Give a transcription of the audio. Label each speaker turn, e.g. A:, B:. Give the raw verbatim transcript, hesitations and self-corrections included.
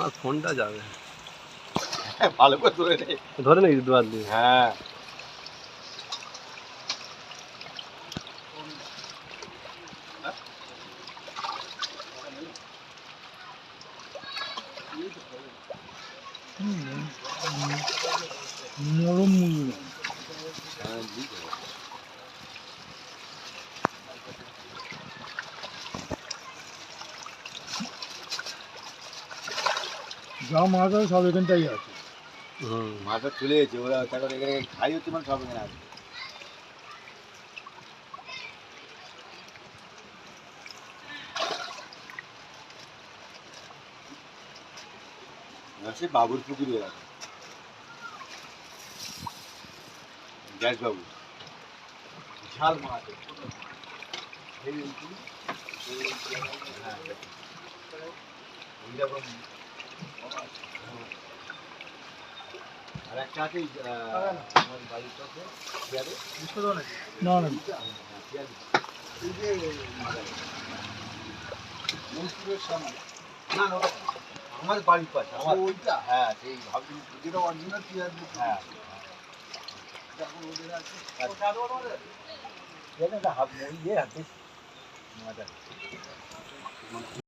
A: আমার ফোনটা যাবে
B: ভালো করে ধরে নে
A: ধরে নাকি দুয়ার দিয়ে
B: হ্যাঁ
C: নরম মূল্য যা মাছ আছে সব এখানটাই আছে।
A: হুম
B: মাথা চলে গেছে ওরা তারপর এখানে খাই হচ্ছে মানে সব এখানে আছে সে বাবুর পুকুরে আছে গ্যাস বাবু বিশাল মাছ আর একটা আছে আমার বাড়ির কাছে
C: না না
B: না না আমার বাড়ির পাশে আমার ওইটা হ্যাঁ সেই ভাবছি যেটা অরিজিনাল পেঁয়াজ হ্যাঁ হাত ইয়ে হাতে